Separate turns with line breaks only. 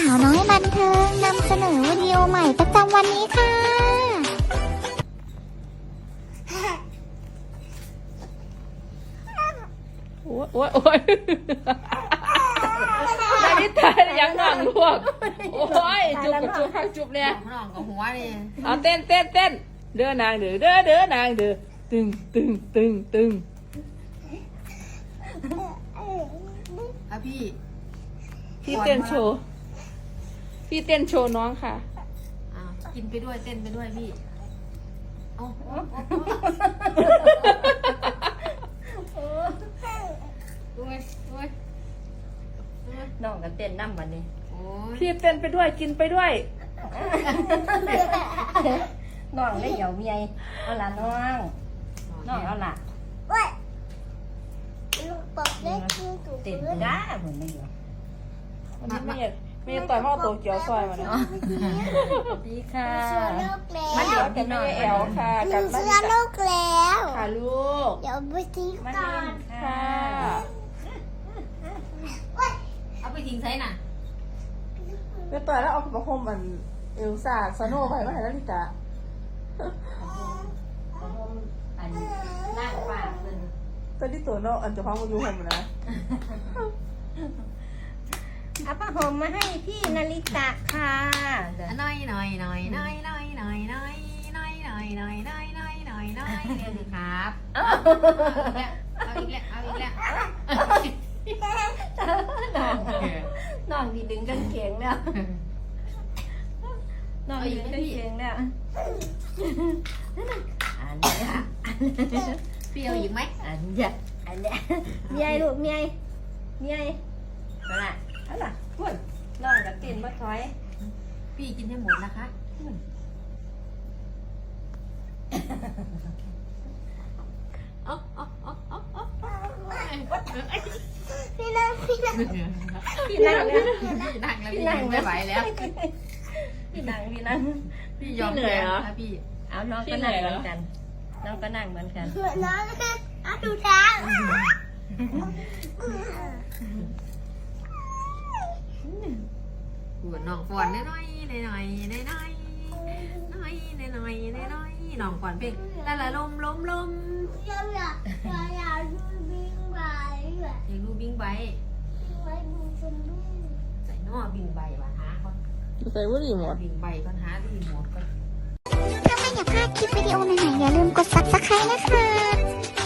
าวน้อยบันเทิงนำเสนอวิดีโอใหม่ประจำวันนี้ค่ะ
โอ้ยโอ้ยโอ้ยนาฬิตายังนั่งลวกโอ้ยจุบกับจุบข้างจุบเนี่ย
น้องกับหัวนี่
เอาเต้นเต้นเต้นเด้อนางเด้อเด้อเด้อนางเด้อตึงตึงตึงตึง
อ่ะพี่
พี่เต้นโชว์พี่เต้นโชว์น้องค่ะ
อ่ะกินไปด้วยเต้นไปด้วยพี่เอาโอ้ยโอ้ย
น้องก็เต้นน้ำวันนี้
โอ้ย
พี่เต้นไปด้วยกินไปด้วย
น้องได้เหยาเมียเอาละน้องน้องเอาละเต้นจ้าผมไม่เหยา
วันนี้ไม่ต่อยพ่อโตเกียวซอยมาเนาะ
ดีค่ะ
มาเดี๋ยวกันแม่แอลค่ะกับบ้าน
เสื้อลูกแล้ว
ค่ะลูก
เดี๋ยวไปทิ้ง
มา
ก่อ
เล่
น
น
ค่ะ
เอาไปทิ้งใส่น่ะ
ไปต่อยแล้วเอาประคมมันเอลซ่าซาโน่ไปมาให้นาฬิตา
อันนั่งปากเป็น
ตอนที่ตัวน้องอันจะพังมาอยู่ผมนะ
เอาผ้าห่มมาให้พี่นาริตะค่ะเดี๋ยว
หน่อยหน่อยหน่อยหน่อยหน่อยหน่อยหน่อยหน่อยหน่อยหน่อยหน่อยหน่อยหน่อยหน่อยเดี๋ยวสิครับเอาอีกแล้วเอาอีกแล้ว
น้องดีดึงกันเขียงแล้วน้องดึงกันเขียงแล้วอันนี้ค่ะ
พี่เอาอีกไหม
อันนี้อันนี้เมียลูกเมียนั่นแหละนั่นแหละคุณน้องกับกินบ่ถอย
พี่กินให้หมดนะคะเอาเอาเอาเอาเอา
พี่นั่ง
พี่นั่งแล้ว
พี่นั่งแล้วพี่นั่งไม่ไหวแล้ว
พี่นั่ง
พี่ยอมแพ้ค่ะพี่
เอาน้องก็นั่งเหมือนกันน้องก็นั่งเหมือนกัน
เหมือนน้องเอาดูทาง
ปวดน้องฟอนน้อยน้อยน้อยน้อยน้อยน้อยน้อยน้อยน้องฟอนเพลงละละลมลมลม
อยากดูบิงไบ
อยากดูบิงไบ
ไว้ดูชมพู่
ใส่นอบิงไบว่ะหาก่อน
ใส่บุหรี่หมด
บิงไบก่อนหาดีหมดก่อน
ถ้าไม่อยากพลาดคลิปวิดีโอใหม่ๆอย่าลืมกด subscribe นะคะ